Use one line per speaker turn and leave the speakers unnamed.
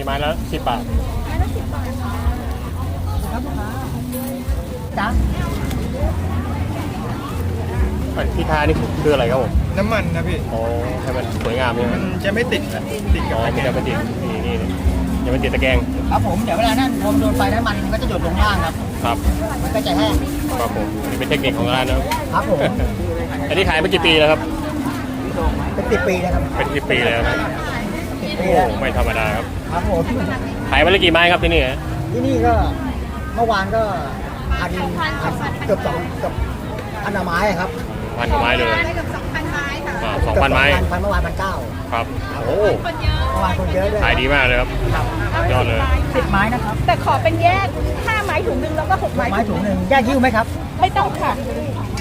ไม้ละ10 บาท
ไม้ละ10 บาทครับลูกค้าจ้า
ที่ทานี่คืออะไรครับผม
น้ำมันนะพี่
อ๋อให้มันสวยงามใช่ไหม
มันจะไม่ติดกับ
มันจะไม่ติดนี่จะไม่ติดตะแกรง
ครับผมเดี๋ยวเวลานั้นพอมันโดนไฟน้ำมันก็จะหยดลงล่างครับ
ครับ
มันก็จะแห้ง
ครับผมนี่เป็นเทคนิคของร้านนะครับ
ผม
อันนี้ขายมากี่ปีแล้วครับ
เป็น10 ปีนะครับ
เป็น10 ปีแล้วนะ
10 ปี
โอ้ไม่ธรรมดาครับ
ครับผม
ขายมาแล้วกี่ไม้ครับที่นี่
ที่นี่ก็เมื่อวานก็เกือบพันไม้ครับ
1,000 กว่าไม้เลย
เกือบ2,000 ไม้ค่ะ
2,000 ไม้
เมื่อวาน1,900
ครับโอ้
เมื่อวานคนเยอะด้วย
ขายดีมากเลยครับยอดเลย
10 ไม้นะครับ
แต่ขอเป็นแยก5 ไม้ถุงนึงแล้วก็6 ไม้
ถุงหนึ่งแยกยิ้วไหมครับ
ไม่ต้องค่ะ